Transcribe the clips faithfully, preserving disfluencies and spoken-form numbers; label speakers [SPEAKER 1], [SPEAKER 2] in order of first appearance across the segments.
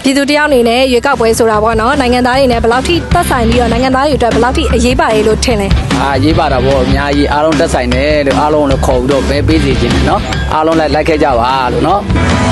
[SPEAKER 1] ပြည်သူတယောက်အနေနဲ့ရွေးကောက်ပွဲဆိုတာပေါ့နော်နိုင်ငံသားတွေနဲ့ဘယ်လောက်ထိသက်ဆိုင်ပြီးတော့နိုင်ငံသားတွေအတွက်ဘယ်လောက်ထိအရေးပါတယ်လို့ထင်လဲ
[SPEAKER 2] အာရေးပါတာပေါ့အများကြီးအားလုံးသက်ဆိုင်တယ်လို့အားလုံးလည်းခေါ်ပြီးတော့ပဲပေးစီခြင်းတယ်နော်အားလုံးလည်းလိုက်ခဲ့ကြပါလို့နော်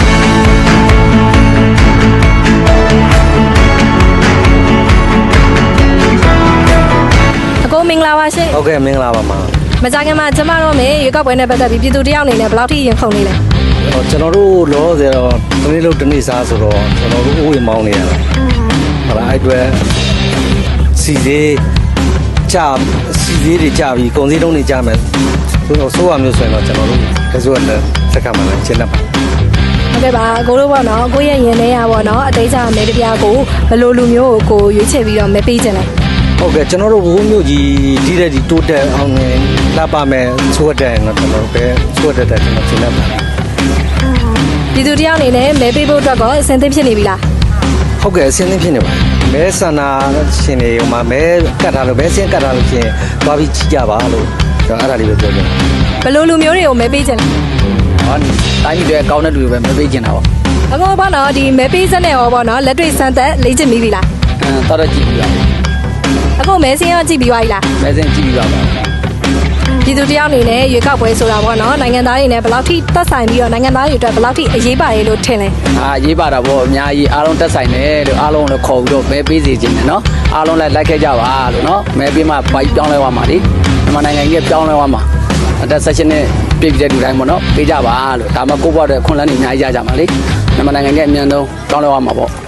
[SPEAKER 1] အကိုမင်္ဂလာပါရှင်
[SPEAKER 3] ဟုတ်ကဲ့မင်္ဂလာပါမှာ
[SPEAKER 1] မကြခင်မှာကျမတို့မေရွေးကောက်ပွဲနဲ့ပတ်သက်ပြီးပြည်သူတယောက်အနေနဲ့ဘယ်လောက်ထိရင်ခုန်နေလဲ
[SPEAKER 3] ကျွန်တော်တို့လောဆယ်တော့တနေ့လို့တနေ့စားဆိုတော့ကျွန်တော်တို့ဥယျာဉ်မောင်းနေရတာဟုတ်လားအဲ့အတွက်စီသေးကြစီသေးတွေကြပြီးကုန်စည်တုံးတွေကြမယ်ဆိုတော့ဆိုးရမျိုးဆိုရင်တော့ကျွန်တော်တို့ကစိုးရတဲ့စက္ကန့်မှလည်းရှင်းတတ်ပါ
[SPEAKER 1] ဟုတ်ကဲ့ပါကိုတို့ပေါ့နော်ကိုရဲ့ရင်ထဲရပေါ့နော်အသေးချာမဲတပြားကိုဘယ်လိုလူမျိုးကိုကိုရွေးချယ်ပြီးတော့မဲပေးခြင်းလဲ
[SPEAKER 3] ဟုတ်ကဲ့ကျွန်တော်တို့ဘိုးမျိုးကြီးဒီတဲ့ဒီတိုးတက်အောင်နေလာပါမယ်ဆိုတဲ့တော့ကျွန်တော်တို့ပဲဆိုတဲ့တဲ့ကျွန်တော်ရှင်းတတ်ပါ
[SPEAKER 1] ပြည်သူတယောက်အနေနဲ့မဲပေးဖို့အတွက်ကောအဆင်သင့်ဖြစ်နေပြီလား
[SPEAKER 3] ဟုတ်ကဲ့အဆင်သင့်ဖြစ်နေပါမဲဆန္ဒရှင်တွေဟိုမှာမဲကတ်ထားလို့မဲဆင်းကတ်ထားလို့ရှင်သွားပြီးကြည့်ကြပါလို့ကျွန်တော်အဲ့ဒါလေးပဲပြောချင်တယ်
[SPEAKER 1] ဘယ်လိုလူမျိုးတွေကိုမဲပေးခြင်းလဲ
[SPEAKER 2] ဟောတိုင်းပြည်တွေကောင်းတဲ့လူတွေပဲမဲပေးခြင်းတာပေါ့
[SPEAKER 1] အခုပေါ့နော်ဒီမဲပေးစက်နဲ့ရောပေါ့နော်လက်တွေ့စမ်းသက်လေ့ကျင့်ပြီးပြီလား
[SPEAKER 2] အဲတော်တော်ကြည့်ပြီးပါ
[SPEAKER 1] အခုမဲဆင်းရောကြည့်ပြီးသွားပြီလား
[SPEAKER 2] မဲဆင်းကြည့်ပြီးပါပါ
[SPEAKER 1] ပြည်သူတယောက်အနေနဲ့ရွေးကောက်ပွဲဆိုတာပေါ့နော်နိုင်ငံသားတွေနဲ့ဘယ်လောက်ထိသက်ဆိုင်ပြီးတော့နိုင်ငံသားတွေအတွက်ဘယ်လောက်ထိအရေးပါတယ်လို့ထင်လဲ
[SPEAKER 2] အာရေးပါတာပေါ့အများကြီးအားလုံးသက်ဆိုင်တယ်လို့အားလုံးလည်းခေါ်ပြီးတော့မဲပေးစီခြင်းတယ်နော်အားလုံးလည်းလိုက်ခဲ့ကြပါလို့နော်မဲပေးမှပိုက်ပြောင်းလဲသွားမှာလေမြန်မာနိုင်ငံကြီးပြောင်းလဲသွားမှာအသက်ဆက်ရှင်နဲ့ပြည်ပြည်တဲ့လူတိုင်းပေါ့နော်ပေးကြပါလို့ဒါမှကိုယ့်ဘဝအတွက်ခွန်လန်းနေအများကြီးရကြမှာလေမြန်မာနိုင်ငံကြီးအမြန်ဆုံးပြောင်းလဲသွားမှာပေါ့